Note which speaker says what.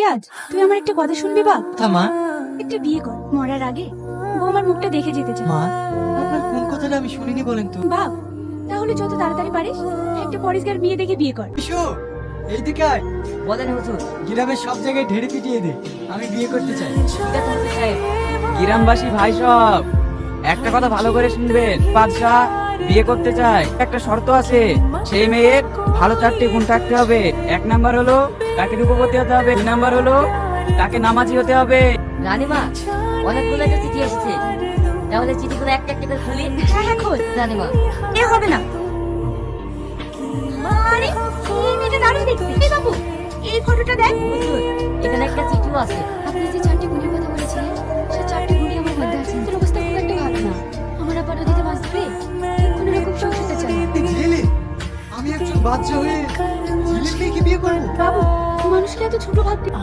Speaker 1: রিয়াজ, তুই আমার একটা কথা শুনবি বাপ?
Speaker 2: মা।
Speaker 1: একটা বিয়ে কর, মরার আগে বৌমার মুখটা দেখে যেতে চাই।
Speaker 2: মা, আপনার কোন কথাটা আমি শুনিনি বলেন তো?
Speaker 1: বাপ, তাহলে যত তাড়াতাড়ি পারিস একটা পরিষ্কার মেয়ে দেখে বিয়ে কর।
Speaker 2: বিশু, এইদিকে আয়।
Speaker 3: বলেন হুজুর।
Speaker 2: গ্রামের সব জায়গায় ঢেড়ে পিটিয়ে দে, আমি বিয়ে করতে চাই।
Speaker 3: ঠিক আছে হুজুর সাহেব।
Speaker 4: গ্রামবাসী ভাই সব একটা কথা ভালো করে শুনবেন। বাদশাহ বিয়ে করতে চায়, একটা শর্ত আছে। সেই মেয়ের ভালো 4টি গুণ থাকতে হবে। 1 নাম্বার হলো তাকে রূপবতী হতে হবে, 2 নাম্বার হলো তাকে নামাজি হতে হবে।
Speaker 3: রানীমা, অনেকগুলো একটা চিঠি এসেছে, তাহলে চিঠিগুলো একটা একটা করে খুলি।
Speaker 1: হ্যাঁ হ্যাঁ খোঁজ।
Speaker 3: রানীমা,
Speaker 1: এ হবে না। আরে এই মেয়েটা দারুণ দেখতে। এই বাবু, এই ফটোটা দেখ।
Speaker 3: হুজুর এখানে একটা চিঠিও আছে।
Speaker 5: আপনি যে 4টি গুণের কথা বলেছিলেন, সে 4টি গুণই আমার মধ্যে আছে। তোর অবস্থা খুব একটা ভালো না। আমার আবার নদীতে মাছ ধরে কোনো রকম সুখ পেতে চাই।
Speaker 2: ঝিলি, আমি একজন বাচ্চা হয়ে ঝিলির মেয়েকে বিয়ে করবো?
Speaker 1: বাবু, মানুষকে এত ছোট ভাবতে